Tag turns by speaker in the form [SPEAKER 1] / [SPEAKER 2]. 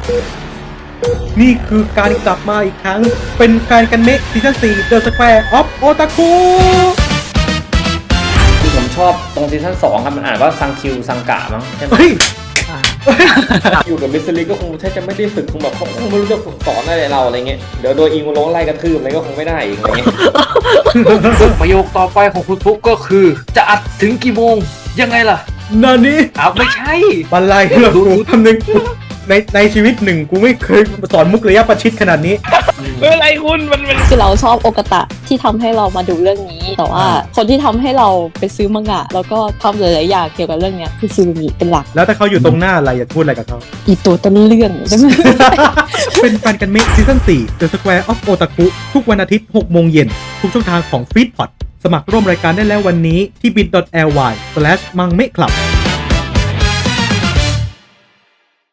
[SPEAKER 1] นี่คือการกลับมาอีกครั้งเป็นแฟนกันเมะซีซั่น4 The Square of Otaku
[SPEAKER 2] ที่ผมชอบตรงซีซั่น2ครับมันอ่านว่าซังคิวซังกะมั้งใช่ไหม
[SPEAKER 1] เฮ้ย
[SPEAKER 2] อยู่กับมิสซิลิก็คงแทบจะไม่ได้ฝึกคงแบบเขาคงไม่รู้จะฝึกสอนอะไรเราอะไรเงี้ยเดี๋ยวโดนอิงโลไล่กระทืบอะไรก็คงไม่ได้อีกอะไรเงี้ย
[SPEAKER 3] ซึ่งประโยคต่อไปของคุณฟุกก็คือจะอัดถึงกี่โมงยังไงล่ะ
[SPEAKER 1] นานี่
[SPEAKER 3] อ้าวไม่ใช่
[SPEAKER 1] บันไลเหรอกูทำหนึ่งในชีวิตหนึ่งกูไม่เคยสอนมุกระยะประชิดขนาดนี้
[SPEAKER 3] เป็นอะไรคุณมัน
[SPEAKER 4] คือเราชอบโอกาตะที่ทำให้เรามาดูเรื่องนี้ แต่ว่าคนที่ทำให้เราไปซื้อมังงะแล้วก็ทำหลายๆอย่างเกี่ยวกับเรื่องเนี้ยคือซูรุมิเป็นหลัก
[SPEAKER 1] แล้วถ้าเขาอยู่ตรงหน้าอะไรอยากพูดอะไรกับเขา
[SPEAKER 4] อีตัวต้นเรื่องใช่ไหม
[SPEAKER 1] เป็นแฟนกันเมะซีซั่น4 The Square of Otaku ทุกวันอาทิตย์ 6 โมงเย็น ทุกช่องทางของ Feedpot สมัครร่วมรายการได้แล้ววันนี้ที่ bit.ly/mangmeclub